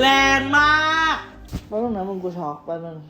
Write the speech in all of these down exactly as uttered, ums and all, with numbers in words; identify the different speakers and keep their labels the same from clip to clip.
Speaker 1: แรงมากแป๊บนึงนะมึงกูช็อกแป๊บนึง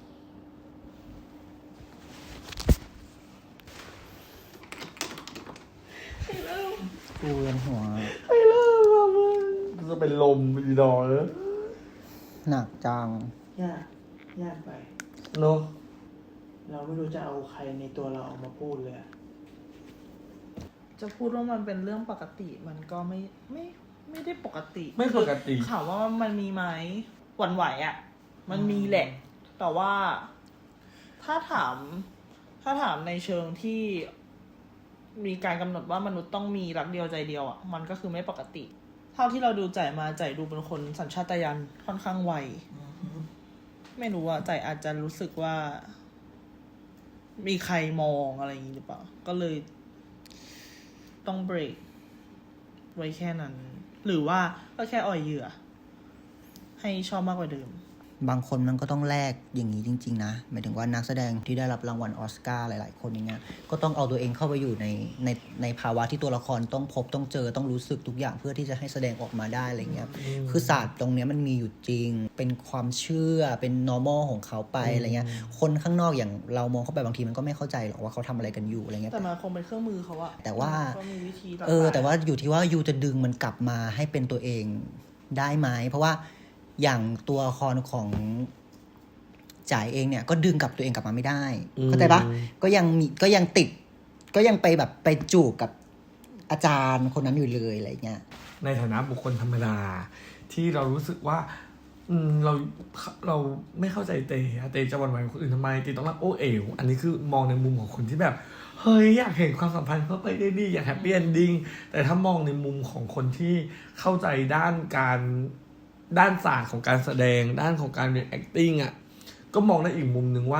Speaker 1: กูเวียนหัวไปเริ่มอ่ะมึงจะเป็นลมอีดอกเลย
Speaker 2: หนักจัง
Speaker 1: ยากยากไปเนาะเราไม่รู้จะเอาใครในตัวเราออกมาพูดเลยจะพูดว่ามันเป็นเรื่องปกติมันก็ไม่ไม่ไม่ได้ปกติ
Speaker 3: ไม่ปกติ
Speaker 1: ถามว่ามันมีไหมหวั่นไหวอ่ะมันมีแหละแต่ว่าถ้าถามถ้าถามในเชิงที่มีการกำหนดว่ามนุษย์ต้องมีรักเดียวใจเดียวอ่ะมันก็คือไม่ปกติเท่าที่เราดูใจมาใจดูเป็นคนสัญชาตญาณค่อนข้างไวไม่รู้ว่าใจอาจจะรู้สึกว่ามีใครมองอะไรอย่างนี้หรือเปล่าก็เลยต้องเบรกไว้แค่นั้นหรือว่าก็แค่อ่อยเหยื่อให้ชอบมากกว่าเดิม
Speaker 2: บางคนมันก็ต้องแลกอย่างนี้จริงๆนะหมายถึงว่านักแสดงที่ได้รับรางวัลออสการ์หลายๆคนอย่างเงี้ยก็ต้องเอาตัวเองเข้าไปอยู่ในในในภาวะที่ตัวละครต้องพบต้องเจอต้องรู้สึกทุกอย่างเพื่อที่จะให้แสดงออกมาได้อะไรเงี้ยคือศาสตร์ตรงเนี้ยมันมีอยู่จริงเป็นความเชื่อเป็น normal ของเขาไปอะไรเงี้ยคนข้างนอกอย่างเรามองเข้าไปบางทีมันก็ไม่เข้าใจหรอกว่าเขาทำอะไรกันอยู่อะไรเงี้ย
Speaker 1: แต่มันคงเป็นเครื่องมือเขาอะ
Speaker 2: แต่ว่า
Speaker 1: มีวิธี
Speaker 2: เออแต่ว่าอยู่ที่ว่ายูจะดึงมันกลับมาให้เป็นตัวเองได้ไหมเพราะว่าอย่างตัวละครของจ่ายเองเนี่ยก็ดึงกลับตัวเองกลับมาไม่ได้เข้าใจปะก็ยังมีก็ยังติดก็ยังไปแบบไปจูบกับอาจารย์คนนั้นอยู่เลยอะไรเงี้ย
Speaker 3: ในฐานะบุคคลธรรมดาที่เรารู้สึกว่าอืมเราเราไม่เข้าใจเตเตจะหวั่นไหวกับคนอื่นทำไมเตต้องรักโอเอ๋วอันนี้คือมองในมุมของคนที่แบบเฮ้ยอยากเห็นความสัมพันธ์เขาไปได้ดีอยากแฮปปี้เอนดิ้งแต่ถ้ามองในมุมของคนที่เข้าใจด้านการด้านศาสตร์ของการแสดงด้านของการเรียน acting อ่ะก็มองได้อีกมุมหนึ่งว่า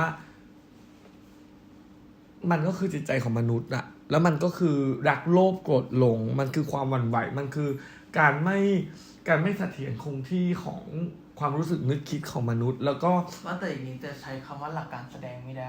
Speaker 3: มันก็คือจิตใจของมนุษย์อะแล้วมันก็คือรักโลภโกรธหลงมันคือความหวั่นไหวมันคือการไม่การไม่เสถียรคงที่ของความรู้สึกนึกคิดของมนุษย์แล้วก็
Speaker 1: ว่าแต่อย่างนี้จะใช้คำว่าหลักการแสดงไม่ได้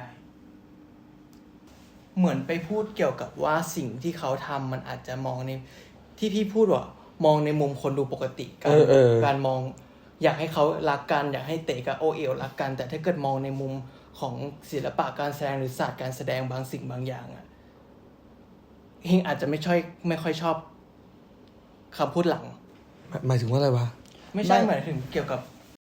Speaker 1: เหมือนไปพูดเกี่ยวกับว่าสิ่งที่เขาทำมันอาจจะมองในที่พี่พูดว่ามองในมุมคนดูปกติการการมองอยากให้เขารักกันอยากให้เต๋กับโอเอ๋วรักกันแต่ถ้าเกิดมองในมุมของศิลปะการแสดงหรือศาสตร์การแสดงบางสิ่งบางอย่างอะเฮงอาจจะไม่ช่อยไม่ค่อยชอบคำพูดหลัง
Speaker 3: หมายถึงว่าอะไรวะ
Speaker 1: ไม่ใช่หมายถึงเกี่ยวกับ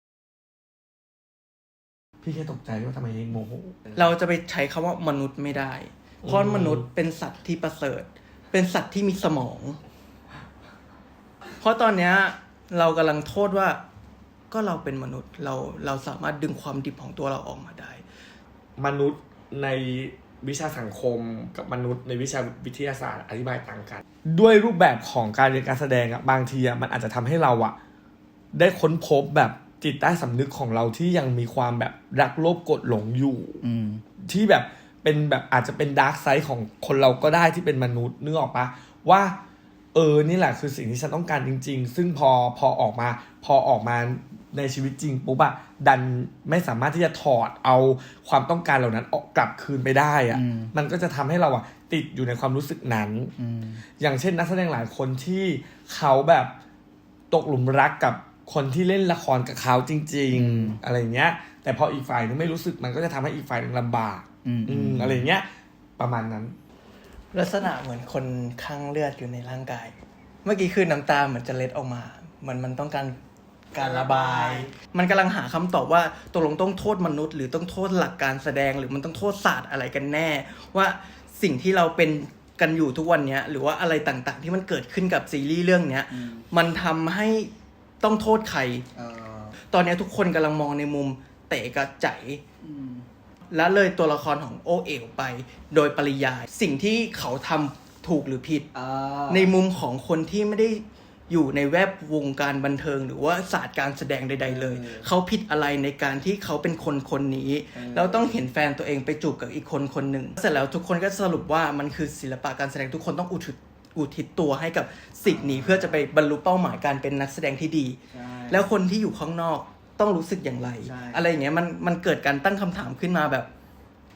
Speaker 3: พี่แค่ตกใจว่าทำไมเฮงโมโห
Speaker 1: เราจะไปใช้คำว่ามนุษย์ไม่ได้เพราะมนุษย์เป็นสัตว์ที่ประเสริฐเป็นสัตว์ที่มีสมองเพราะตอนเนี้ยเรากำลังโทษว่าก็เราเป็นมนุษย์เราเราสามารถดึงความดิบของตัวเราออกมาได้
Speaker 3: มนุษย์ในวิชาสังคมกับมนุษย์ในวิชาวิทยาศาสตร์อธิบายต่างกันด้วยรูปแบบของการเรียนการแสดงอ่ะบางทีอ่ะมันอาจจะทำให้เราอ่ะได้ค้นพบแบบจิตใต้สำนึกของเราที่ยังมีความแบบรักโลภโกรธหลงอยู่ที่แบบเป็นแบบอาจจะเป็นดาร์กไซด์ของคนเราก็ได้ที่เป็นมนุษย์นึกออกปะว่าเออนี่แหละคือสิ่งที่ฉันต้องการจริงๆซึ่งพอพอออกมาพอออกมาในชีวิตจริงปุ๊บอะดันไม่สามารถที่จะถอดเอาความต้องการเหล่านั้นออกกลับคืนไปได้อะมันก็จะทำให้เราอะติดอยู่ในความรู้สึกนั้นอย่างเช่นนักแสดงหลายคนที่เขาแบบตกหลุมรักกับคนที่เล่นละครกับเขาจริงๆอะไรเงี้ยแต่พออีกฝ่ายนึงไม่รู้สึกมันก็จะทำให้อีกฝ่ายนึงลำบากอะไรเงี้ยประมาณนั้น
Speaker 1: ลักษณะเหมือนคนคลั่งเลือดอยู่ในร่างกายเมื่อกี้คือน้ำตาเหมือนจะเล็ดออกมาเหมือนมันต้องการการระบายมันกำลังหาคำตอบว่าตกลงต้องโทษมนุษย์หรือต้องโทษหลักการแสดงหรือมันต้องโทษศาสตร์อะไรกันแน่ว่าสิ่งที่เราเป็นกันอยู่ทุกวันนี้หรือว่าอะไรต่างๆที่มันเกิดขึ้นกับซีรีส์เรื่องนี้มันทำให้ต้องโทษใครตอนนี้ทุกคนกำลังมองในมุมเต๋กับใจและเลยตัวละครของโอเอ๋วไปโดยปริยายสิ่งที่เขาทำถูกหรือผิดในมุมของคนที่ไม่ได้อยู่ในแวดวงการบันเทิงหรือว่าศาสตร์การแสดงใดๆเลยเขาผิดอะไรในการที่เขาเป็นคนคนนี้แล้วต้องเห็นแฟนตัวเองไปจูบกับอีกคนคนหนึ่งเสร็จแล้วทุกคนก็สรุปว่ามันคือศิลปะการแสดงทุกคนต้องอุทิศอุทิศตัวให้กับสิ่งนี้เพื่อจะไปบรรลุเป้าหมายการเป็นนักแสดงที่ดีแล้วคนที่อยู่ข้างนอกต้องรู้สึกอย่างไรอะไรอย่างเงี้ยมันมันเกิดการตั้งคำถามขึ้นมาแบบเอ้า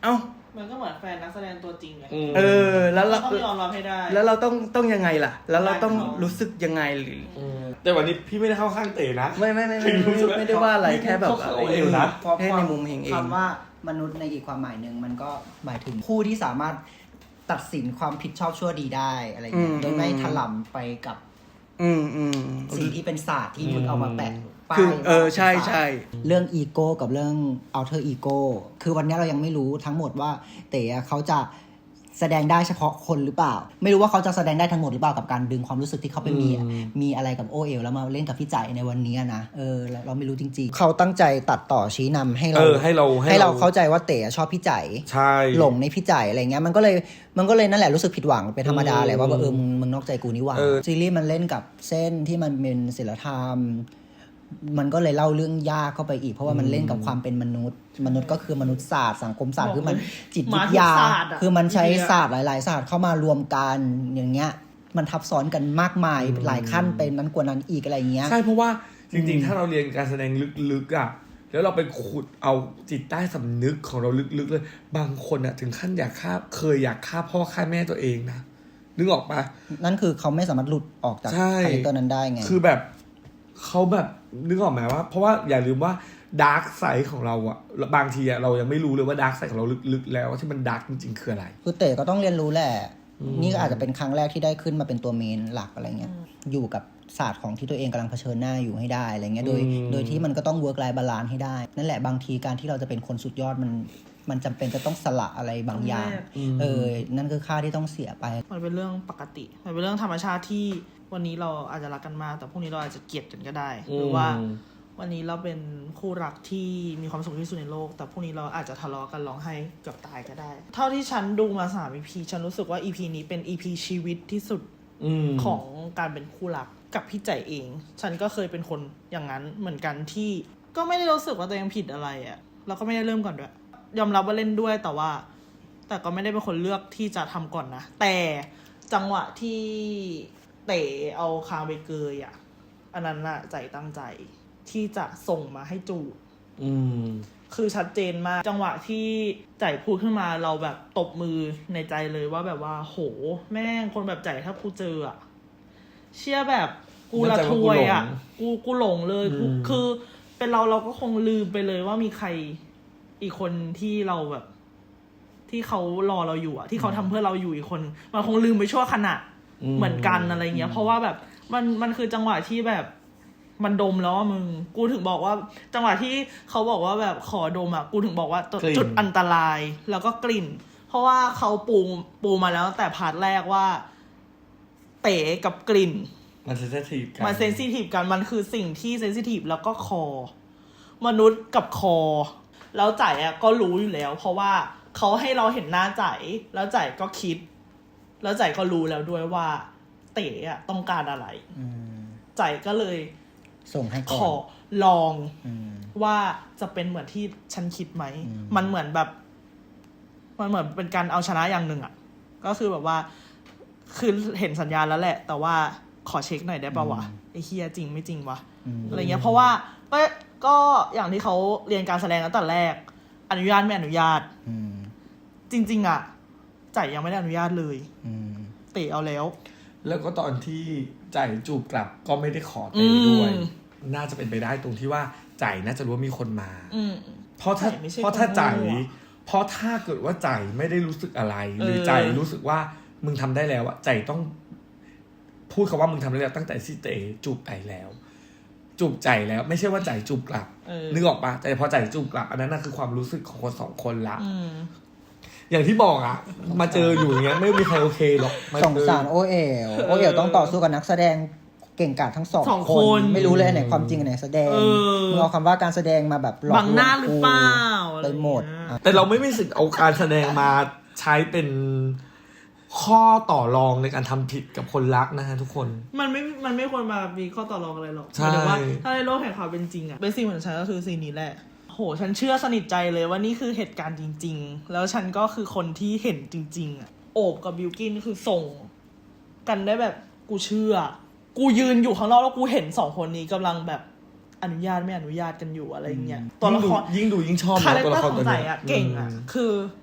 Speaker 4: มันก็เหมือนแฟนนักแสดงตัวจริงไง
Speaker 1: เออแล้วเรา
Speaker 4: ต้องยอมรับให้ได้
Speaker 1: แล้วเราต้องต้องยังไงล่ะ แล้วเราต้องรู้สึกยังไงหรือ
Speaker 3: แต่วันนี้พี่ไม่ได้เข้าข้างเต๋นะ
Speaker 1: ไม่ไม่ไม่ไม่ไม่ไม่ได้ว่าอะไรแค่แบบ
Speaker 3: เขาเอวนะ
Speaker 1: แค่ในมุมเฮงเอง
Speaker 2: คำว่ามนุษย์ในอีกความหมายหนึ่งมันก็หมายถึงผู้ที่สามารถตัดสินความผิดชอบชั่วดีได้อะไรเงี้ยโดยไม่ถลำไปกับ
Speaker 1: อืมอืม
Speaker 2: สิ่งที่เป็นศาสตร์ที่มึงเอามาแปะป้าย
Speaker 1: คือเออใช่ใช่
Speaker 2: เรื่องอีโก้กับเรื่อง alter ego คือวันนี้เรายังไม่รู้ทั้งหมดว่าเต๋อเขาจะแสดงได้เฉพาะคนหรือเปล่าไม่รู้ว่าเขาจะแสดงได้ทั้งหมดหรือเปล่ากับการดึงความรู้สึกที่เขาไปมีมีอะไรกับโอเอลแล้วมาเล่นกับพี่จ่ายในวันนี้นะเออเราเราไม่รู้จริงๆเขาตั้งใจตัดต่อชี้นำให้เรา
Speaker 3: เออให้เรา
Speaker 2: ให้เราเข้าใจว่าเต๋อชอบพี่จ่าย
Speaker 3: ใช่
Speaker 2: หลงในพี่จ่ายอะไรเงี้ยมันก็เลยมันก็เลยนั่นแหละรู้สึกผิดหวังเป็นธรรมดาแหละว่าเออมึงมึงนอกใจกูนี่หว่าซีรีส์มันเล่นกับเส้นที่มันเป็นศิลธรรมมันก็เลยเล่าเรื่องยากเข้าไปอีกเพราะว่ามันเล่นกับความเป็นมนุษย์มนุษย์ก็คือมนุษยศาสตร์สังคมศาสตร์คือมันจิตวิทยาคือมันใช้ศาสตร์หลายๆศาสตร์เข้ามารวมกันอย่างเงี้ยมันทับซ้อนกันมากมายหลายขั้นเป็นนั้นกว่านั้นอีกอะไรเงี้ย
Speaker 3: ใช่เพราะว่าจริงๆถ้าเราเรียนการแสดงลึกๆอ่ะแล้วเราไปขุดเอาจิตใต้สำนึกของเราลึกๆเลยบางคนอ่ะถึงขั้นอยากฆ่าเคยอยากฆ่าพ่อฆ่าแม่ตัวเองนะนึกออกปะ
Speaker 2: นั่นคือเขาไม่สามารถหลุดออกจากคาแรคเตอร์นั้นได้ไง
Speaker 3: คือแบบเขาแบบนึกออกไหมว่าเพราะว่าอย่าลืมว่าดาร์กไซด์ของเราอะบางทีอะเรายังไม่รู้เลยว่าดาร์กไซด์ของเราลึกๆแล้วที่มันดาร์กจริงๆคืออะไร
Speaker 2: คือเต๋ก็ต้องเรียนรู้แหละนี่ก็อาจจะเป็นครั้งแรกที่ได้ขึ้นมาเป็นตัวเมนหลักอะไรเงี้ยอยู่กับศาสตร์ของที่ตัวเองกำลังเผชิญหน้าอยู่ให้ได้อะไรเงี้ยโดยโดยที่มันก็ต้องเวิร์กไลฟ์บาลานซ์ให้ได้นั่นแหละบางทีการที่เราจะเป็นคนสุดยอดมันมันจำเป็นจะต้องสละอะไรบางอย่างเออนั่นคือค่าที่ต้องเสียไป
Speaker 4: มันเป็นเรื่องปกติมันเป็นเรื่องธรรมชาติที่วันนี้เราอาจจะรักกันมากแต่พรุ่งนี้เราอาจจะเกลียดกันก็ได้หรือว่าวันนี้เราเป็นคู่รักที่มีความสุขที่สุดในโลกแต่พรุ่งนี้เราอาจจะทะเลาะกันร้องไห้เกือบตายก็ได้เท่าที่ฉันดูมาสาม อี พี ฉันรู้สึกว่า อี พี นี้เป็น อี พี ชีวิตที่สุดของการเป็นคู่รักกับพี่ใจเองฉันก็เคยเป็นคนอย่างนั้นเหมือนกันที่ก็ไม่ได้รู้สึกว่าตัวเองผิดอะไรอ่ะแล้วก็ไม่ได้เริ่มก่อนด้วยยอมรับว่าเล่นด้วยแต่ว่าแต่ก็ไม่ได้เป็นคนเลือกที่จะทำก่อนนะแต่จังหวะที่เต๋เอาคางไปเกยอ่ะอันนั้นน่ะใจตั้งใจที่จะส่งมาให้จูบคือชัดเจนมากจังหวะที่ใจพูดขึ้นมาเราแบบตบมือในใจเลยว่าแบบว่าโหแม่งคนแบบใจถ้ากูเจออ่ะเชื่อแบบกูละทวยอ่ะกูกูหลงเลยคือเป็นเราเราก็คงลืมไปเลยว่ามีใครอีกคนที่เราแบบที่เขารอเราอยู่อ่ะที่เขาทำเพื่อเราอยู่อีกคนมันคงลืมไปชั่วขณะเหมือนกันอะไรเงี้ยเพราะว่าแบบมันมันคือจังหวะที่แบบมันดมแล้วมึงกูถึงบอกว่าจังหวะที่เขาบอกว่าแบบขอดมอ่ะกูถึงบอกว่าจุดอันตรายแล้วก็กลิ่นเพราะว่าเขาปูปูมาแล้วแต่พาร์ทแรกว่าเต๋กับกลิ่น
Speaker 3: มันเซนซิทีฟกัน
Speaker 4: มันเซนซิทีฟกันมันคือสิ่งที่เซนซิทีฟแล้วก็คอมนุษย์กับคอแล้วจ่ายอ่ะก็รู้อยู่แล้วเพราะว่าเขาให้เราเห็นหน้าจ่ายแล้วจ่ายก็คิดแล้วจ่ายก็รู้แล้วด้วยว่าเต๋อ่ะต้องการอะไรจ่ายก็เลย
Speaker 2: ส่งให้ก่อน
Speaker 4: ขอลองว่าจะเป็นเหมือนที่ฉันคิดไหมมันเหมือนแบบมันเหมือนเป็นการเอาชนะอย่างหนึ่งอ่ะก็คือแบบว่าคือเห็นสัญญาณแล้วแหละแต่ว่าขอเช็คหน่อยได้ป่าววะไอ้เฮียจริงไม่จริงวะอะไรเงี้ยเพราะว่าก็ก็อย่างที่เขาเรียนการแสดงตั้งแต่แรกอนุญาตไม่อนุญาตจริงๆอ่ะจ่ายยังไม่ได้อนุญาตเลยเตะเอาแล้ว
Speaker 3: แล้วก็ตอนที่จ่ายจูบกลับก็ไม่ได้ขอเตะด้วยน่าจะเป็นไปได้ตรงที่ว่าจ่ายน่าจะรู้ว่ามีคนมาเพราะถ้าเพราะถ้าจ่ายเพราะถ้าเกิดว่าจ่ายไม่ได้รู้สึกอะไรหรือจ่ายรู้สึกว่ามึงทำได้แล้วอะจ่ายต้องพูดคำว่ามึงทำได้แล้วตั้งแต่ที่เตะจูบไก่แล้วจูบใจแล้วไม่ใช่ว่าจ่ายจูบกลับนึกออกปะแต่พอจ่ายจูบกลับอันนั้นน่ะคือความรู้สึกของคนสองคนละอย่างที่บอกอะมาเจออยู่อย่างเงี้ยไม่มีใครโอเคหรอก
Speaker 2: สงสารโอเอ๋วโอเอ๋วต้องต่อสู้กับนักแสดงเก่งกาจทั้งสองคนไม่รู้เลยอันไหนความจริงอันไหนแสดงมึงเอาคำว่าการแสดงมาแบบหลอกลวง
Speaker 4: บังหน้าหรือเปล่า
Speaker 2: ไปหมด
Speaker 3: แต่เราไม่มีสิทธิ์เอาการแสดงมาใช้เป็นข้อต่อรองในการทำผิดกับคนรักนะฮะทุกคน
Speaker 4: มันไม่มันไม่ควรมามีข้อต่อรองอะไรหรอกแต่ว่าถ้าในโลกแห่งความเป็นจริงอะเป็นสิ่งเหมือนฉันก็คือสิ่งนี้แหละโหฉันเชื่อสนิทใจเลยว่านี่คือเหตุการณ์จริงๆแล้วฉันก็คือคนที่เห็นจริงๆอะโอบกับบิลกินคือส่งกันได้แบบกูเชื่อกูยืนอยู่ข้างนอกแล้วกูเห็นสองคนนี้กำลังแบบอนุญาตไม่อนุญาตกันอยู่อะไรเงี้ย
Speaker 3: ตัวละครยิ่งดูยิ่งชอบ
Speaker 4: คาแรคเตอร์ของใจอะเก่งอะคือ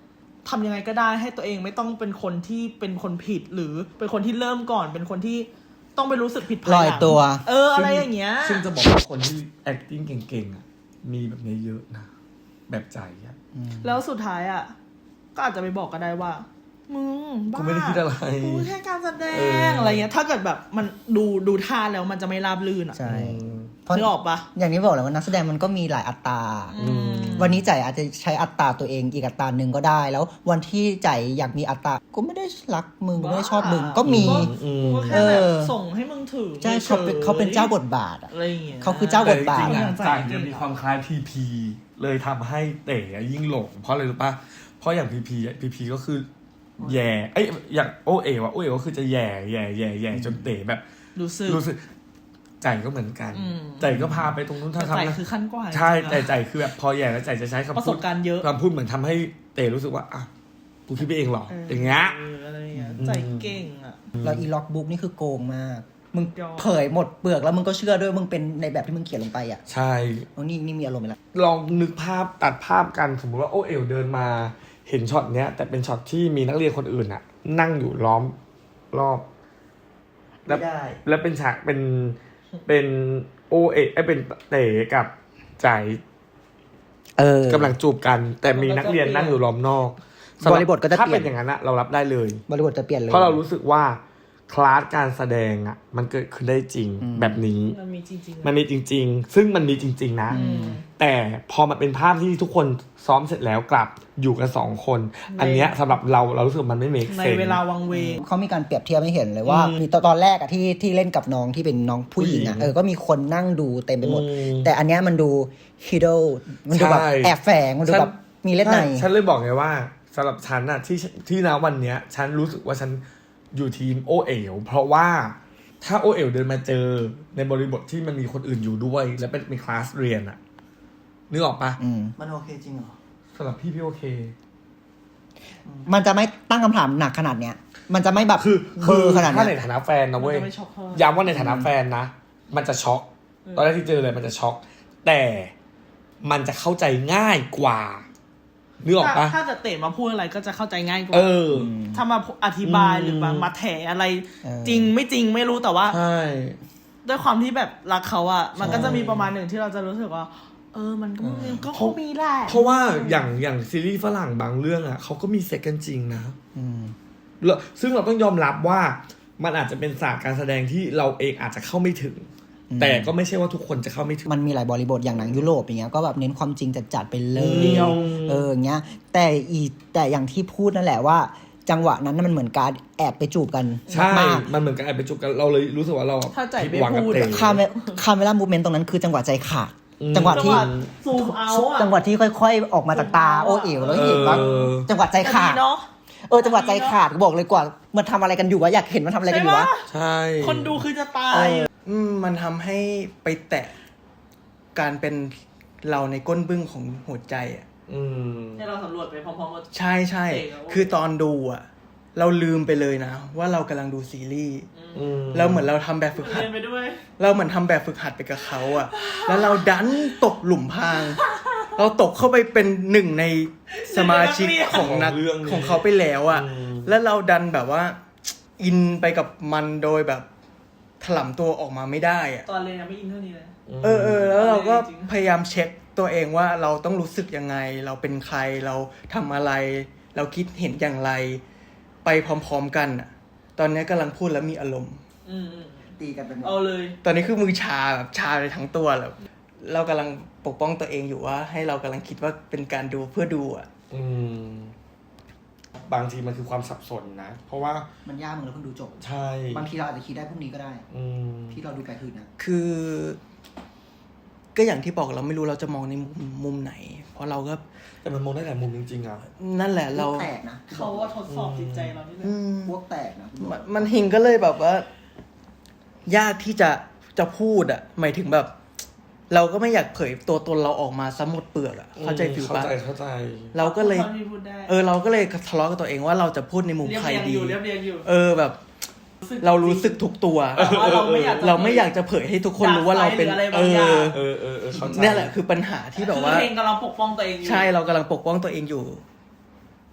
Speaker 4: ทำยังไงก็ได้ให้ตัวเองไม่ต้องเป็นคนที่เป็นคนผิดหรือเป็นคนที่เริ่มก่อนเป็นคนที่ต้องไปรู้สึกผิดภายห
Speaker 2: ล
Speaker 4: ลัง
Speaker 2: อยตัว
Speaker 4: เอออะไรอย่างเงี้ย
Speaker 3: ซึ่งจะบอกว่าคนที่ acting เก่งๆอ่ะมีแบบนี้เยอะนะแบบใจอ่ะ
Speaker 4: แล้วสุดท้ายอ่ะก็อาจจะไปบอกก็ได้ว่ามึงบ้า
Speaker 3: กูไม่ได้คิดอะไร
Speaker 4: กูแค่การแสด
Speaker 3: เออ
Speaker 4: งอะไรเงี้ยถ้าเกิดแบบมันดูดูท่าแล้วมันจะไม่ราบรื่นอ่ะ
Speaker 2: ใช่
Speaker 3: อืม
Speaker 2: เพราะ
Speaker 4: นึกออกปะ
Speaker 2: อย่างที่บอกเลยว่านักแสดงมันก็มีหลายอัตรา
Speaker 3: อืม
Speaker 2: วันนี้ใจอาจจะใช้อัตราตัวเองอีกอัตราหนึ่งก็ได้ แล้ววันที่ใจอยากมีอัตราก็ไม่ได้รักมึงไม่ได้ชอบมึงก็มี
Speaker 3: อืม
Speaker 4: ก็แค่แบบ
Speaker 2: เออ
Speaker 4: ส่งให้มึงถึง
Speaker 2: ใช่เขาเป็นเขาเป็นเจ้าบทบาทอะ
Speaker 4: อะไรอย่างเงี้ย
Speaker 2: เขาคือเจ้าบทบาท
Speaker 3: แต่จริงๆ
Speaker 4: อ
Speaker 3: อ่ะ
Speaker 4: ย่าง
Speaker 3: จ่ายจะมีความคล้ายพีพีเลยทำให้เต๋อยิ่งหลงเพราะอะไรรู้ป่ะเพราะอย่างพีพีพีพีก็คือแย่เอ้ยอย่างโอเอ๋วะโอเอ๋ก็คือจะแย่แย่แย่แย่จนเต๋แบบ
Speaker 4: รู้สึก
Speaker 3: รู้สึกใจก็เหมือนกัน
Speaker 4: อืม
Speaker 3: ใจก็พาไปตรงนู้น
Speaker 4: แต่
Speaker 3: ทำ
Speaker 4: ใจ
Speaker 3: ทำนะ
Speaker 4: คือขั้นกว่า
Speaker 3: ใช่
Speaker 4: จริงๆ
Speaker 3: แต่
Speaker 4: อะ
Speaker 3: ใจคือแบบพอแย่แล้วใจจะใช้คำ
Speaker 4: ประส
Speaker 3: พูด
Speaker 4: บการณ์เยอะ
Speaker 3: คำพูดเหมือนทำให้เต๋รู้สึกว่าอ่ะกูคิดไปเองเหรออย่างเงี้ย
Speaker 4: เอออะไรอย่างเงี้ย
Speaker 3: อืม
Speaker 4: ใจเก่งอ่ะ
Speaker 2: แล้วอีล็อกบุ๊กนี่คือโกงมาก มึง
Speaker 4: ยอม
Speaker 2: เผยหมดเปลือกแล้วมึงก็เชื่อด้วยมึงเป็นในแบบที่มึงเขียนลงไปอ่ะ
Speaker 3: ใช่
Speaker 2: เอานี่นี่มีอารมณ์ไปแล้ว
Speaker 3: ลองนึกภาพตัดภาพกันสมมุติว่าโอเอ๋วเดินมาเห็นช็อตเนี้ย แต่เป็นช็อตที่มีนักเรียนคนอื่นอะนั่งอยู่ล้อมรอบ แล้ว
Speaker 2: ไม่ได้
Speaker 3: แล้วเป็นฉากเป็นเป็นโอเอ๋ไอยเป็นเต๋กับใจ
Speaker 2: เออก
Speaker 3: ำลังจูบกัน แต่มีนักเรียนนั่งอยู่ล้อมนอก
Speaker 2: บริบทก็จะ
Speaker 3: ถ้า
Speaker 2: เปลี่
Speaker 3: เป็
Speaker 2: ยน
Speaker 3: นอย่างนั้นอะเรารับได้เลย
Speaker 2: บริบทจะเปลี่ยนเลย
Speaker 3: เพราะเรารู้สึกว่าคลาสการแสดงอะมันเกิดขึ้นได้จริง
Speaker 2: อืม
Speaker 3: แบบนี้
Speaker 4: มันมีจริงๆ
Speaker 3: มันมีจริง ๆ ซึ่งมันมีจริง ๆ นะ
Speaker 4: อืม
Speaker 3: แต่พอมันเป็นภาพที่ทุกคนซ้อมเสร็จแล้วกลับอยู่กันสองคน อันเนี้ยสำหรับเราเรารู้สึกมันไม่เมค
Speaker 4: ใน
Speaker 3: เซน
Speaker 4: เวลาวังเวง
Speaker 2: เขามีการเปรียบเทียบให้เห็นเลยว่า
Speaker 3: อืม
Speaker 2: มีตอนตอนแรกอะที่ที่เล่นกับน้องที่เป็นน้องผู้หญิงอะ
Speaker 3: ผู้หญิง
Speaker 2: เออก็มีคนนั่งดูเต็มไปหมด
Speaker 3: อืม
Speaker 2: แต่อันเนี้ยมันดูฮิดโดมันดูแบบ
Speaker 3: ใช่
Speaker 2: แอบแฝงมันดูแบบมีเล่นใน
Speaker 3: ใช่ฉันเลยบอกไงว่าสำหรับฉันอะที่ที่ณวันเนี้ย ฉันรู้สึกว่าฉันอยู่ทีมโอเอ๋วเพราะว่าถ้าโอเอ๋วเดินมาเจอในบริบทที่มันมีคนอื่นอยู่ด้วย และเป็นเป็นคลาสเรียนอะนึกออกปะ
Speaker 2: อืม
Speaker 1: มันโอเคจริงเหรอ
Speaker 3: สำหรับพี่พี่โอเค
Speaker 2: มันจะไม่ตั้งคำถามหนักขนาดเนี้ย มันจะไม่แบบ
Speaker 3: คือ
Speaker 2: เบ
Speaker 3: คือ
Speaker 2: อร์ขนาด
Speaker 3: ถ้า
Speaker 2: เนี้
Speaker 3: ใน
Speaker 2: ย
Speaker 3: ฐานะแฟนนะเว้ย
Speaker 4: มันจะไม่ช็อกเท่าไหร่
Speaker 3: ย้ำว่าในฐานะแฟนนะ มันจะช็อก ตอนแรกที่เจอเลยมันจะช็อก แต่มันจะเข้าใจง่ายกว่านึกออกปะ
Speaker 4: ถ้าถ้าจะเตะมาพูดอะไรก็จะเข้าใจง่ายกว่า
Speaker 3: เออ
Speaker 4: ถ้ามาอธิบาย
Speaker 3: อืม
Speaker 4: หรือมามาแถอะไร
Speaker 2: เออ
Speaker 4: จริงไม่จริงไม่รู้แต่ว่า
Speaker 3: ใช่
Speaker 4: ด้วยความที่แบบรักเขาอะมันก็
Speaker 3: ใช่
Speaker 4: จะมีประมาณหนึ่งที่เราจะรู้สึกว่า เออมันก็มันก็คงมีแหละ
Speaker 3: เพราะว่าอย่างอย่างซีรีส์ฝรั่งบางเรื่องอ่ะเขาก็มีเซ็กกันจริงนะ
Speaker 2: อืม
Speaker 3: แล้วซึ่งเราต้องยอมรับว่ามันอาจจะเป็นศาสตร์การแสดงที่เราเองอาจจะเข้าไม่ถึง
Speaker 2: อืม
Speaker 3: แต่ก็ไม่ใช่ว่าทุกคนจะเข้าไม่ถึง
Speaker 2: มันมีหลายบริบทอย่างหนังยุโรปอย่างเงี้ยก็แบบเน้นความจริงจัดๆไปเลย
Speaker 3: เดียว
Speaker 2: เอออย่างเงี้ย แต่อีแต่อย่างที่พูดนั่นแหละว่า จังหวะนั้นน่ะมันเหมือนการแอบไปจูบกัน
Speaker 3: ใช่
Speaker 2: มาก
Speaker 3: มันเหมือนกับไอ้ไปจุกกันเราเลยรู้สึกว่าเรา
Speaker 4: ถ้าใจ
Speaker 3: ผิด
Speaker 4: ไม่
Speaker 3: หวังกับ
Speaker 4: พูด
Speaker 3: เต๋
Speaker 4: อะ
Speaker 2: คาเมคาเมล่ามูเมนต์ตรงนั้นคือจังหวะใจขาด
Speaker 3: อืม
Speaker 2: จังหวะ
Speaker 4: จัง
Speaker 2: ที่
Speaker 4: หวะซูมเอาอะ
Speaker 2: จังหวะที่ค่อยๆ ออกมาจากตาโอเอ๋วแล้วเห็นว่า
Speaker 3: เออ
Speaker 2: จังหวะใจขาด
Speaker 4: แต่ดีเนาะ
Speaker 2: เออจังหวะใจขาดบอกเลยกว่ามันทำอะไรกันอยู่วะอยากเห็นมันทำอะไรกันอยู่วะ
Speaker 3: ใช่
Speaker 4: คนดูคือจะตาย
Speaker 1: อืมมันทำให้ไปแตะการเป็นเราในก้นบึ้งของหัวใจอ่ะ
Speaker 3: อืม
Speaker 4: ให้เราสำรวจไปพร้อมๆกัน
Speaker 1: ใช่ใช่
Speaker 4: เจ๋งอะ
Speaker 1: คือตอนดูอ่ะ เราลืมไปเลยนะ ว่าเรากำลังดูซีรีส์
Speaker 3: อืม
Speaker 1: เราเหมือนเราทำแบบฝึกหัด
Speaker 4: เรียนไปด้วย
Speaker 1: เราเหมือนทำแบบฝึกหัดไปกับเขาอ่ะ แล้วเราดันตกหลุมพราง เราตกเข้าไปเป็นหนึ่งในสมาชิกของนัก
Speaker 3: ของเรื่องนี้
Speaker 1: ของเขาไปแล้วอ่ะ
Speaker 3: อืม
Speaker 1: แล้วเราดันแบบว่า อินไปกับมันโดยแบบถลำตัวออกมาไม่ได้อ่ะ
Speaker 4: ตอนเรียนยังไม่อินเท่านี้เลย
Speaker 1: เออเออแล้วเราก็
Speaker 4: จริง
Speaker 1: พยายามเช็คตัวเองว่าเราต้องรู้สึกยังไง เราเป็นใครเราทำอะไร เราคิดเห็นอย่างไร ไปพร้อมๆกันอ่ะ ตอนนี้กำลังพูดแล้วมีอารมณ์
Speaker 4: อืมอืม
Speaker 2: ตีกันเป็น
Speaker 4: เอาเลย
Speaker 1: ตอนนี้คือมือชาแบบชาไปทั้งตัวแล้วเรากำลังปกป้องตัวเองอยู่ว่า ให้เรากำลังคิดว่าเป็นการดูเพื่อดูอ่ะ
Speaker 3: อืมบางทีมันคือความสับสนนะ เพราะว่า
Speaker 2: มันยากมึงแล้วเพิ่งดูจบ
Speaker 3: ใช่
Speaker 2: บางทีเราอาจจะคิดได้พรุ่งนี้ก็ได้
Speaker 3: อืม
Speaker 2: ที่เราดูไปคืนนะ
Speaker 1: คือ ก็อย่างที่บอกเราไม่รู้เราจะมองในมุมมุมไหน เพราะเราก็
Speaker 3: แต่มันมองได้หลายมุมจริงๆอ่ะ
Speaker 1: นั่นแหละเรา
Speaker 2: พวกแตกนะ
Speaker 4: เขาว่าทดสอบจิตใจเรานี่แหละ
Speaker 1: อืม
Speaker 2: พวกแตกนะ
Speaker 1: มันมันหิงก็เลยแบบว่า ยากที่จะจะพูดอ่ะ หมายถึงแบบ เราก็ไม่อยากเผยตัวตนเราออกมาซะหมดเปลือกอ่ะเข้าใจฟิล
Speaker 3: เข้า
Speaker 1: ปะ
Speaker 3: ใจเข้าใจ
Speaker 1: เราก็เลย
Speaker 4: ท่อนที่พูดได้
Speaker 1: เออเราก็เลยทะเลาะกับตัวเองว่าเราจะพูดในมุม
Speaker 4: เรียบ
Speaker 1: ใคร
Speaker 4: เรียง
Speaker 1: ดี
Speaker 4: อยู่เรียบเรียงอยู่
Speaker 1: เออแบบ เรารู้สึกทุกตัว
Speaker 4: แต่ว่าเราไม่อยากจะ
Speaker 1: เราไม่อยากจะเผยให้ทุกคนรู้ว่าเราเป็น
Speaker 4: ด่าใครหรืออะไร
Speaker 1: เอบ
Speaker 4: างอย่าง
Speaker 1: อ
Speaker 3: เออเออเออเข้าใจ
Speaker 1: เนี่ยแหละคือปัญหาที่แบบว่า
Speaker 4: คือเพลงกำลังปกป้องตัวเองอยู่
Speaker 1: ใช่เรากำลังปกป้องตัวเองอยู่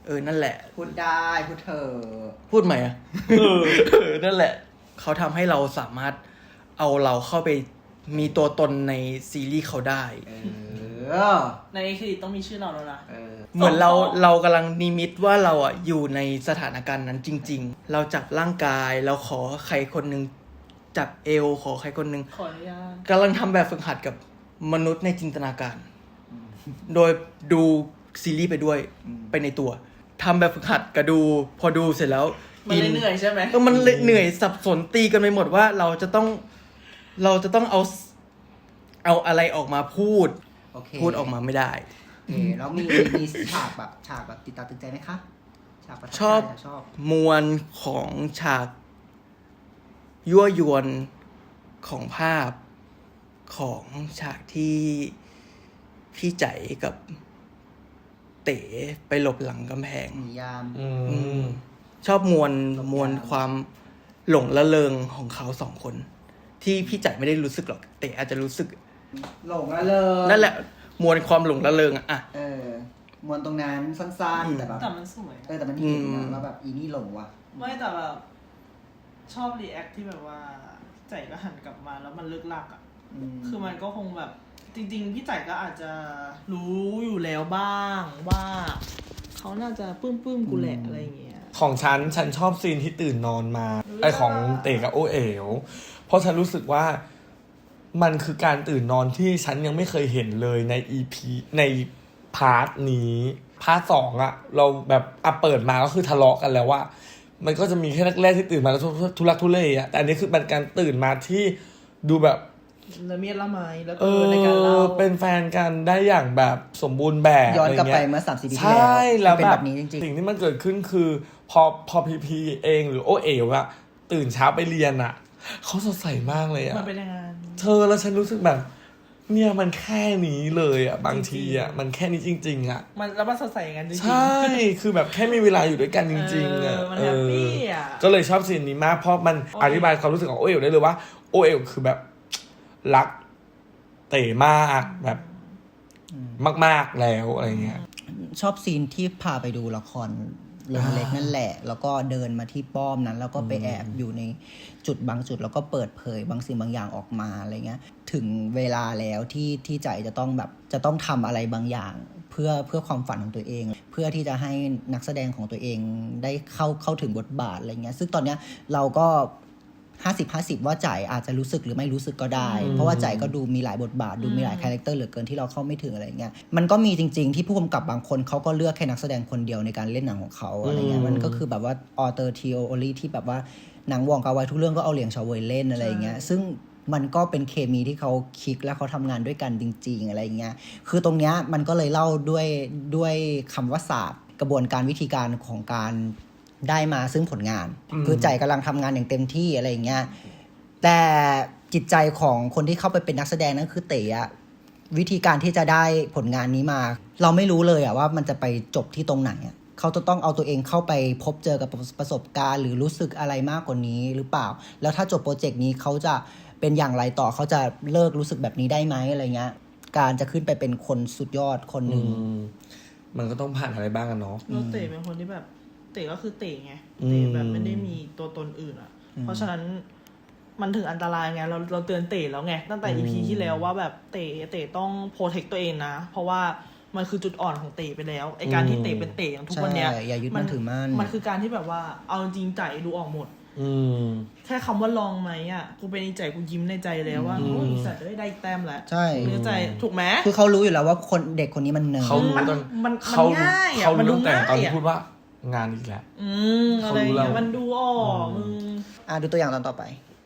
Speaker 1: เออนั่นแหละ
Speaker 2: พูดได้พูดเถอะ
Speaker 1: พูดใหม่อะเออนั่นแหละเขาทำให้เราสามารถเอาเราเข้าไปมีตัวตนในซีรีส์เขาได้
Speaker 2: เออ
Speaker 4: ในเครดิตต้องมีชื่อเราแล้วนะ
Speaker 2: เออ
Speaker 1: เหมือนเราเรากำลังนิมิตว่าเราอ่ะอยู่ในสถานการณ์นั้นจริง ๆ เราจับร่างกายเราขอใครคนหนึ่งจับเอวขอใครคนหนึ่ง
Speaker 4: ขออนุญาต
Speaker 1: กำลังทำแบบฝึกหัดกับมนุษย์ในจินตนาการ โดยดูซีรีส์ไปด้วย
Speaker 2: อืม
Speaker 1: ไปในตัวทำแบบฝึกหัดกับดู พอดูเสร็จแล้ว
Speaker 4: มันเลยเหนื่อยใช่ไหม
Speaker 1: เออมันเลยเหนื่อยสับสนตีกันไปหมดว่าเราจะต้องเราจะต้องเอาเอาอะไรออกมาพูด
Speaker 2: โอเค
Speaker 1: พูดออกมาไม่ได้
Speaker 2: โอเคแล้วมีมีฉากแบบฉากแบบติดตาตึงใจไหมคะฉากประทับใจ
Speaker 1: ชอบ
Speaker 2: ชอบ
Speaker 1: มวลของฉากยั่วยวนของภาพของฉากที่พี่ใจกับเต๋ไปหลบหลังกำแพง
Speaker 2: นิยาม
Speaker 3: อื
Speaker 1: อื
Speaker 3: ม
Speaker 1: มชอบมวลมวลความหลงละเริงของเขาสองคน ที่พี่ใจไม่ได้รู้สึกหรอกเต๋อาจจะรู้สึก
Speaker 2: หลงละเลย
Speaker 1: นั่นแหละ มวลความหลงละเริงอะอะ
Speaker 2: เออมวนตรงนั้นสั้น
Speaker 1: อืม
Speaker 2: ๆแต่แบบ
Speaker 4: แต่มันสวย
Speaker 2: เออแต่มันเห็น
Speaker 1: อื
Speaker 2: นะ
Speaker 1: ม
Speaker 2: ว่าแบบอีนี่หลงว่ะ
Speaker 4: ไม่แต่แบบชอบรีแอคที่แบบว่าใจก็หันกลับมาแล้วมันเลิกลักอ่ะ
Speaker 2: อืม
Speaker 4: คือมันก็คงแบบจริง ๆ พี่ใจก็อาจจะรู้อยู่แล้วบ้างว่าเขาน่าจะปื้มปื้มๆกูแหละอะไรอย่างเงี้ย
Speaker 3: ของฉันฉันชอบซีนที่ตื่นนอนมา
Speaker 4: เออ
Speaker 3: ไอของเต๋กับโอเอ๋วเพราะฉันรู้สึกว่ามันคือการตื่นนอนที่ฉันยังไม่เคยเห็นเลยใน อี พี ในพาร์ทนี้พาร์ทสองอะเราแบบอ่ะเปิดมาก็คือทะเลาะกันแล้วว่า มันก็จะมีแค่แรกๆที่ตื่นมาแล้วทุทุลักทุเลอะแต่อันนี้คือเป็นการตื่นมาที่ดูแบบ
Speaker 4: ละเมียดละไมแล้ว
Speaker 3: เอ
Speaker 4: ก็ในการเล่า
Speaker 3: อเป็นแฟนกันได้อย่างแบบสมบูรณ์แบบ
Speaker 2: ย้อนกลับไป
Speaker 3: ะรงี้ย
Speaker 2: เมื่อสามสิบปีที่
Speaker 3: ใช่แล้ว
Speaker 2: เป็น
Speaker 3: แบ
Speaker 2: แบบ บนี้จริง
Speaker 3: สิ่งที่มันเกิดขึ้นคือ พอพอพีพีเองหรือโอเอ๋วอะตื่นเช้าไปเรียนอะเขาสดใสมากเลยอะ
Speaker 4: มันเป็นยังไง
Speaker 3: เธอแล้วฉันรู้สึกแบบ เนี่ยมันแค่นี้เลยอะบางทีอะมันแค่นี้จริง ๆอะ
Speaker 4: มันแล้วมันสดใสอย่างนั้นจริงๆ
Speaker 3: ใช่คือแบบแค่มีเวลาอยู่ด้วยกันจริงๆอะ
Speaker 4: เออมันแฮปปี้อะ
Speaker 3: ก็เลยชอบซีนนี้มากเพราะมัน
Speaker 4: โอเค
Speaker 3: อธิบายความรู้สึกของโอเอ๋วได้เลยว่าโอเอ๋วคือแบบรักเต๋มากแบบมากๆแล้วอะไรเงี้ย
Speaker 2: ๆ ชอบซีนที่พาไปดูละครเรื่องเล็กนั่นแหละ แล้วก็เดินมาที่ป้อมนั้น แล้วก็ไปแอบอยู่ในจุดบางจุด แล้วก็เปิดเผยบางสิ่งบางอย่างออกมาอะไรเงี้ย ถึงเวลาแล้วที่ที่ใจจะต้องแบบจะต้องทำอะไรบางอย่าง เพื่อเพื่อความฝันของตัวเอง เพื่อที่จะให้นักแสดงของตัวเองได้เข้าเข้าถึงบทบาทอะไรเงี้ยซึ่งตอนเนี้ยเราก็ห้าสิบ ห้าสิบว่าจ่ายอาจจะรู้สึกหรือไม่รู้สึกก็ได้ เพราะว่าจ่ายก็ดูมีหลายบทบาทดูมีหลายคาแรคเตอร์เหลือเกินที่เราเข้าไม่ถึงอะไรเงี้ยมันก็มีจริงๆที่ผู้กำกับบางคนเขาก็เลือกแค่นักแสดงคนเดียวในการเล่นหนังของเขาอะไรเงี้ยมันก็คือแบบว่าออเตอร์ทีโอโอลีที่แบบว่าหนังวองกาไวทุกเรื่องก็เอาเหลียงชาวเวยเล่นอะไรเงี้ยซึ่งมันก็เป็นเคมีที่เขาคลิกและเขาทำงานด้วยกันจริงๆอะไรเงี้ยคือตรงเนี้ยมันก็เลยเล่าด้วยด้วยคำว่าศาสตร์กระบวนการวิธีการของการได้มาซึ่งผลงาน
Speaker 3: อืม
Speaker 2: คือใจกำลังทำงานอย่างเต็มที่อะไรเงี้ยแต่จิตใจของคนที่เข้าไปเป็นนักแสดงนั่นคือเต๋อะวิธีการที่จะได้ผลงานนี้มา เราไม่รู้เลยอะว่ามันจะไปจบที่ตรงไหนอะเขาจะต้องเอาตัวเองเข้าไปพบเจอกับประสบการณ์หรือรู้สึกอะไรมากกว่านี้หรือเปล่า แล้วถ้าจบโปรเจกต์นี้เขาจะเป็นอย่างไรต่อเขาจะเลิกรู้สึกแบบนี้ได้ไหมอะไรเงี้ยการจะขึ้นไปเป็นคนสุดยอดคนหนึ่ง
Speaker 3: อืมมันก็ต้องผ่านอะไรบ้างกันเนาะ
Speaker 4: แล้วเต๋เป็นคนที่แบบเต๋ก็คือเต๋ไง
Speaker 3: อืม
Speaker 4: เต๋แบบไม่ได้มีตัวตนอื่นอ่ะ เพราะฉะนั้นมันถึงอันตรายไงเราเราเตือนเต๋แล้วไงตั้งแต่ อี พี ที่แล้วว่าแบบเต๋เต๋ต้องโปรเทคตัวเองนะ เพราะว่ามันคือจุดอ่อนของเต๋ไปแล้วไอการที่เต๋เป็นเต๋อย่างทุกวันเนี้ย
Speaker 2: ใช่อย่ายึดมั่นถือมั่น
Speaker 4: มันคือการที่แบบว่าเอาจริงใจดูออกหมด
Speaker 3: อืม
Speaker 4: แค่คำว่าลองไหมอ่ะกูเป็นในใจกูยิ้มในใจแล้วว่า
Speaker 3: อืม
Speaker 4: โอ้ยสัตว์ได้ได้แต้มแล้ว
Speaker 2: ใช่
Speaker 4: เนื้อใจถูกไหม
Speaker 2: คือเขารู้อยู่แล้วว่าคนเด็กคนนี้มันเนิร์ด
Speaker 3: เขารู้ตั้ง
Speaker 4: มัน
Speaker 3: เขา
Speaker 4: มันง่ายอะ
Speaker 3: เขา
Speaker 4: มันดู
Speaker 3: รู้ตั้งแต่ตอน
Speaker 4: ง่าย
Speaker 3: ที่
Speaker 4: อะ
Speaker 3: พูดว่างานอีกแล้ว
Speaker 4: อืมอะไรอย่างเงี้ย
Speaker 3: เขารู้แล้ว
Speaker 4: มันดูออกมึง
Speaker 2: อ่ะดูตัวอย่างตอนต่อไป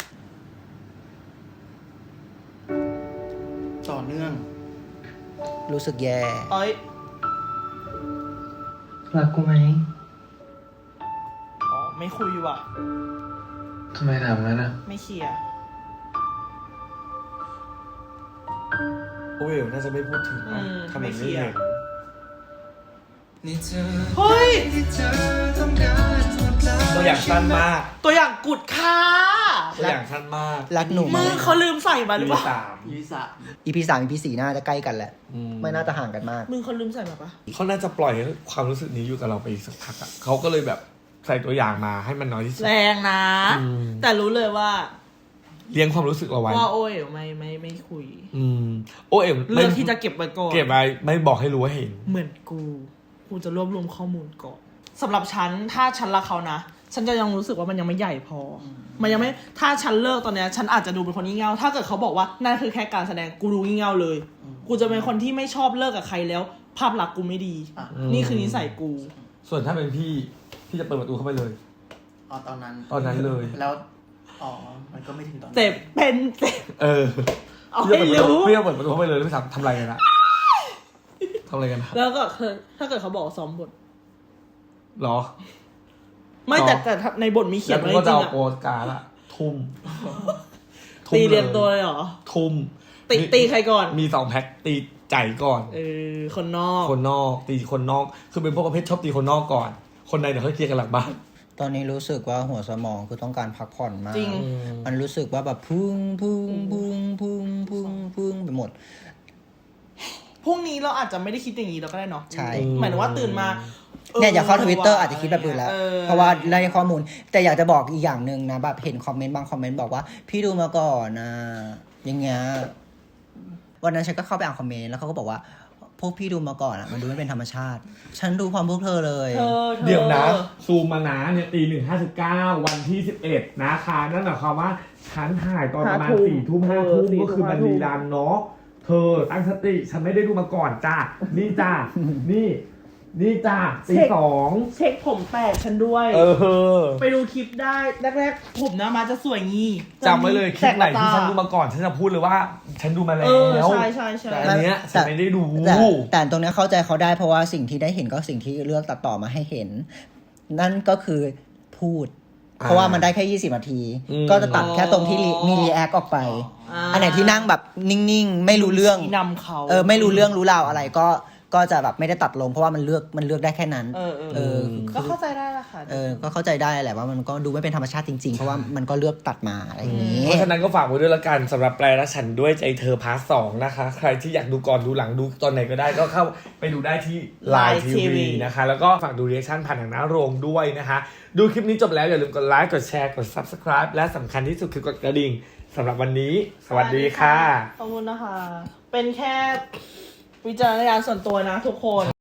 Speaker 1: ต่อเนื่อง
Speaker 2: รู้สึกแย่
Speaker 4: เอ้ย
Speaker 5: รักกูไหม
Speaker 4: อ๋อไม่คุยว่ะ
Speaker 5: ทำไมถามงั้นอ่ะ
Speaker 4: ไม่เคลียร์
Speaker 3: โอ้ยน่าจะไม่พูดถึง
Speaker 4: อื
Speaker 3: นะ
Speaker 4: ม
Speaker 3: ทำไม
Speaker 4: ไม่เค
Speaker 3: ไม่
Speaker 4: ลียร์
Speaker 3: เห็น
Speaker 4: เฮ้ย
Speaker 3: ตัวอย่างสั้นมาก
Speaker 4: ตัวอย่างกุดค่ะ
Speaker 3: ตัวอย่างสั้นมาก
Speaker 2: รักหนู
Speaker 4: มึงเขาลืมใส่มาหรือเปล่า
Speaker 3: สาม
Speaker 1: ยี่สาม
Speaker 2: อีพีสามอีพีสี่น่าจะใกล้กันแหละ
Speaker 3: อืม
Speaker 2: ไม่น่าจะห่างกันมาก
Speaker 4: มึงเขาลืมใส่มาปะ
Speaker 3: เขาน่าจะปล่อยให้ความรู้สึกนี้อยู่กับเราไปอีกสักพักอะเขาก็เลยแบบใส่ตัวอย่างมาให้มันน้อยที่สุด
Speaker 4: แรงนะ
Speaker 3: อืม
Speaker 4: แต่รู้เลยว่า
Speaker 3: เลี้ยงความรู้สึกเอาไว้
Speaker 4: ว่าโอ้ยไม่ไม่ไม่คุย
Speaker 3: อืมโอ้เอ็ม
Speaker 4: เลือกที่จะเก็บไว้ก่อน
Speaker 3: เก็บไว้ไม่บอกให้รู้ว่าเห็น
Speaker 4: เหมือนกู กูจะรวบรวมข้อมูลก่อนสำหรับฉันถ้าฉันรักเขานะ ฉันจะยังรู้สึกว่ามันยังไม่ใหญ่พออมันยังไม่ถ้าฉันเลิกตอนเนี้ยฉันอาจจะดูเป็นคนงี่เง่าถ้าเกิดเขาบอกว่านั่นคือแค่การแสดงกูดูงี่เง่าเลย กูจะเป็นคนที่ไม่ชอบเลิกกับใครแล้ว ภาพลักษณ์กูไม่ดี
Speaker 1: อ่ะ
Speaker 4: นี่คือนิสัยกู
Speaker 3: ส่วนถ้าเป็นพี่พี่จะเปิดประตูเข้าไปเลย
Speaker 1: อ๋อตอนนั้น
Speaker 3: ตอนนั้นเลย
Speaker 1: แล้วอ๋อมันก็ไม่ถึงตอนนั้น
Speaker 4: เจ็บเป็นเจ็บ
Speaker 3: เออ
Speaker 4: เอา
Speaker 3: พี่จะ
Speaker 4: ให้
Speaker 3: เปิดประตู
Speaker 4: รู้
Speaker 3: พี่จะเปิดประตูเข้าไปเลยไม่ทำทำอะไรกันอะทำอะไรกันอะ
Speaker 4: แล้วก็คือถ้าเกิดเขาบอกว่าซ้อมบท
Speaker 3: หรอ
Speaker 4: ไม่
Speaker 3: อ๋อ
Speaker 4: แต่แต่ในบทมีเขีย
Speaker 3: แล้
Speaker 4: น
Speaker 3: วกู
Speaker 4: ไว้
Speaker 3: ก็
Speaker 4: จ
Speaker 3: จะ
Speaker 4: ริง
Speaker 3: เอา
Speaker 4: ๆอะ
Speaker 3: โปสการ์ดอะทุ่ม
Speaker 4: ตีเรียง
Speaker 3: ล
Speaker 4: ตัวเลยเหรอ
Speaker 3: ทุ่ม
Speaker 4: ตีตีใครก่อน
Speaker 3: มีสองแพ็คตีใจก่อน
Speaker 4: เออคนนอก
Speaker 3: คนนอกตีคนนอก คือเป็นพวกประเภทชอบตีคนนอกก่อน คนในเดี๋ยวเขาเคลียร์กันหลังบ้าน
Speaker 2: ตอนนี้รู้สึกว่าหัวสมองคือต้องการพักผ่อนมาก
Speaker 4: จริง
Speaker 2: มันรู้สึกว่าแบบพุ่งพุ่งพุ่งพุ่งพุ่งพุ่งไปหมด
Speaker 4: พรุ่งนี้เราอาจจะไม่ได้คิดอย่างนี้เราก็ได้เนาะ
Speaker 2: ใช่
Speaker 4: หมายถึงว่าตื่นมา
Speaker 2: เนี่ยอย่าเข้าทวิตเตอร์อาจจะคิดแบบอื่นแล้ว
Speaker 4: ออ
Speaker 2: เพราะว่าได้ข้อมูล แต่อยากจะบอกอีกอย่างหนึ่งนะแบบเห็นคอมเมนต์บางคอมเมนต์บอกว่า พี่ดูมาก่อนนะอย่างเงี้ยวันนั้นฉันก็เข้าไปอ่านคอมเมนต์แล้วเขาก็บอกว่าพวกพี่ดูมาก่อนอ่ะมันดูไม่เป็นธรรมชาติ ฉันดูพร้อมพวกเธอเลย
Speaker 4: เธอธอ
Speaker 3: เดี๋ยวนะ ซูมมานะเนี่ยตีหนึ่งห้าสิบเก้าวันที่สิบเอ็ดนะคะนั่นหมายความว่าฉันถ่ายตอนประมาณสี่ทุ่มห้าทุ่มก็คือมันรีรันเนาะเธอตั้งสติฉันไม่ได้ดูมาก่อนจ้านี่จ้านี่ นี่จ้าตีสอง
Speaker 4: เช็คผมแตกฉันด้วย
Speaker 3: เออ
Speaker 4: ไปดูคลิปได้แรกๆผมนะมาจะสวยงี้
Speaker 3: จำไว้เลยคลิปไหนที่ฉันดู
Speaker 4: มา
Speaker 3: มาก่อนฉันจะพูดเลยว่า ฉันดูมาแล้
Speaker 4: เออ
Speaker 3: ว
Speaker 4: ใช่ใช่ใช่
Speaker 3: แต่อันเนี้ยฉันไม่ได้ดู
Speaker 2: แต่แต่ตรงเนี้ยเข้าใจเขาได้เพราะว่าสิ่งที่ได้เห็นก็สิ่งที่เลือกตัดต่อมาให้เห็น นั่นก็คือพูด
Speaker 3: อ่า
Speaker 2: เพราะว่ามันได้แค่ยี่สิบนาที
Speaker 3: อืม
Speaker 2: ก็จะตัดแค่ตรงที่รีมีรีแอคออกไป อันไหนที่นั่งแบบนิ่งๆ ไม่รู้เรื่อง
Speaker 4: ชี้นำเขา
Speaker 2: เออไม่รู้เรื่องรู้ราวอะไรก็ก็จะแบบไม่ได้ตัดลงเพราะว่ามันเลือกมันเลือกได้แค่นั้น
Speaker 4: เออเออ
Speaker 2: เออ
Speaker 4: ก็เข้าใจได้ละค่ะ
Speaker 2: เออก็เข้าใจได้แหละว่ามันก็ดูไม่เป็นธรรมชาติจริงๆ เพราะว่ามันก็เลือกตัดมาอะไรอย่างนี้
Speaker 3: เพราะฉะนั้นก็ฝากไว้ด้วยละกันสำหรับแปลและฉันด้วยใจเธอพาร์ทสองนะคะ ใครที่อยากดูก่อนดูหลังดูตอนไหนก็ได้ก็เข้าไปดูได้ที่ Line ที วี นะคะ แล้วก็ฝากดูรีแอคชั่นผ่านทางหน้าโรงด้วยนะคะ ดูคลิปนี้จบแล้วอย่าลืมกดไลค์กดแชร์กด Subscribe และสำคัญที่สุดคือกดกระดิ่งสำหรับวันนี้ สวัสดีค่ะ
Speaker 4: ขอบคุณนะคะ เป็นแค่วิจารณญาณส่วนตัวนะทุกคน